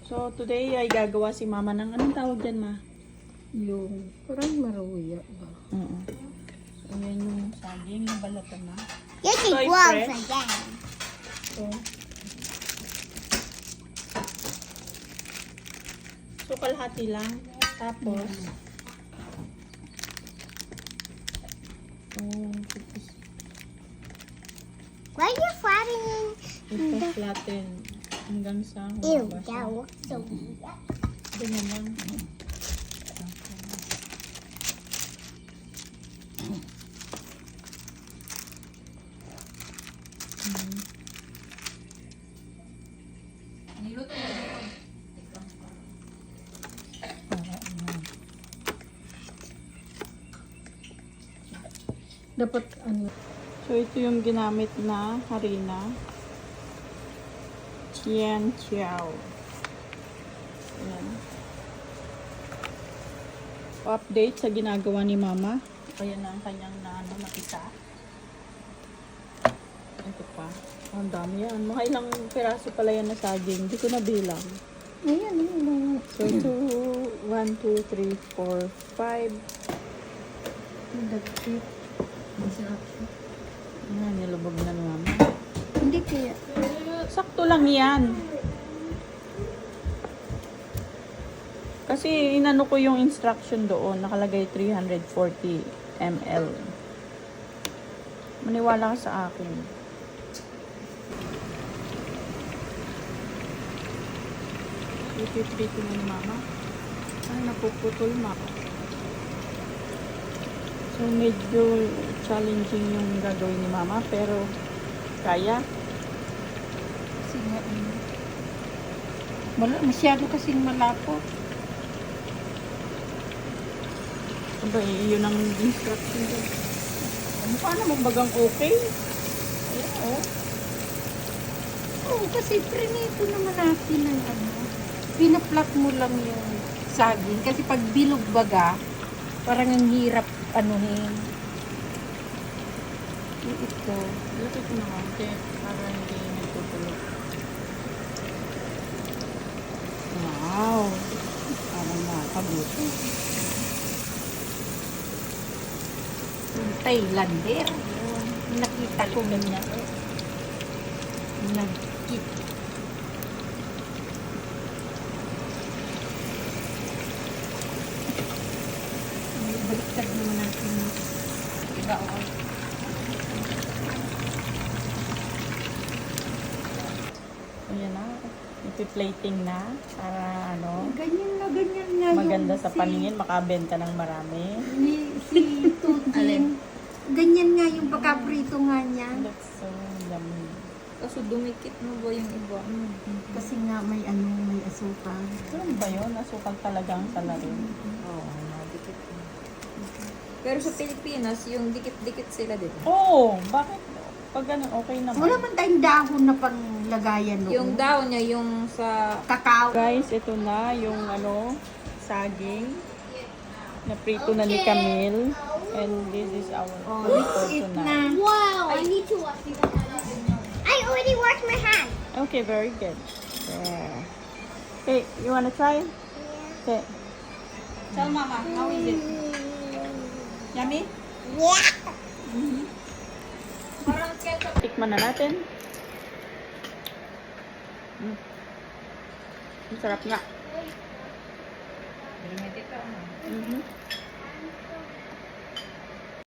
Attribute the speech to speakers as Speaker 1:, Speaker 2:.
Speaker 1: So, today ay gagawa si mama ng anong tawag dyan, ma?
Speaker 2: Yung parang maruya ba?
Speaker 1: Oo. Ayan yung saging na balatan na.
Speaker 3: You can
Speaker 1: Soy
Speaker 3: gloves
Speaker 1: fresh.
Speaker 3: again.
Speaker 1: So, kalahati lang. Tapos,
Speaker 3: Why are you flattening?
Speaker 1: ito flatten hanggang sa
Speaker 3: Ew,
Speaker 1: humaba siya.
Speaker 3: that looks so weird.
Speaker 1: Ganyan lang.
Speaker 2: Dapat ano?
Speaker 1: So, ito yung ginamit na harina. Tian Chiao. Ayan. Update sa ginagawa ni mama. Ayan na ang kanyang nakita. Ito pa. Ang dami yan. Mga ilang piraso pala yan na saging. Hindi ko nabilang.
Speaker 2: Ayan, ayan.
Speaker 1: So, ito 1, 2, 3, 4, 5.
Speaker 2: Nagkit.
Speaker 1: Ayan, nilubog na ni mama.
Speaker 2: Hindi kaya.
Speaker 1: Sakto lang yan. Kasi inano ko yung instruction doon. Nakalagay 340 ml. Maniwala ka sa akin. Ipiprito na ni mama. Ay, napuputol mama. So, medyo challenging yung gagawin ni mama. Pero, kaya.
Speaker 2: Kasi nga ano. Masyado kasing malapot.
Speaker 1: Aba, yun ang instruction doon. Mukha naman bagang okay. Ayan, oh.
Speaker 2: Oo, kasi prinito naman natin ng ano. Pinaplak mo lang yung saging. Kasi pag bilog baga, parang ang hirap anuhin. Ito.
Speaker 1: Lapit ko na konti para hindi nagtutulog. Wow! Parang nakakabuto.
Speaker 2: Yung Thailander. Nakita ko ganyan. Nagkit. Baliktad naman natin. Iba o.
Speaker 1: Ayan na. Ipi-plating na para ano,
Speaker 2: Ganyan nga
Speaker 1: maganda
Speaker 2: yung
Speaker 1: sa paningin, makabenta ng marami.
Speaker 2: si Tutin. Ganyan nga yung pagkaprito nga niya.
Speaker 1: Looks so yummy.
Speaker 4: Kaso dumikit mo ba yung iba?
Speaker 2: Kasi nga may may asukal.
Speaker 1: Ano ba yun? Asukal talagang salarin.
Speaker 4: Oo, dikit. Pero sa Pilipinas, yung dikit-dikit sila, di ba?
Speaker 1: Oh, bakit? Pag ganun, okay naman.
Speaker 2: Wala man tayong dahon na panglagayan noon.
Speaker 4: Yung daw niya, yung sa...
Speaker 2: kakao.
Speaker 1: Guys, ito na yung saging na prito na ni Camille. And this is our
Speaker 2: Oh,
Speaker 1: food
Speaker 2: let's
Speaker 1: for
Speaker 2: eat
Speaker 1: tonight.
Speaker 2: na.
Speaker 3: Wow, I need to wash my I already washed my hand.
Speaker 1: Okay, very good. Yeah. Hey, you wanna try? Okay.
Speaker 4: Tell mama, how is it? Yummy?
Speaker 3: Yeah.
Speaker 4: Parang ketchup.
Speaker 1: Tikman na natin. Ang sarap nga.
Speaker 4: Limited ka, ano?
Speaker 1: Mhm.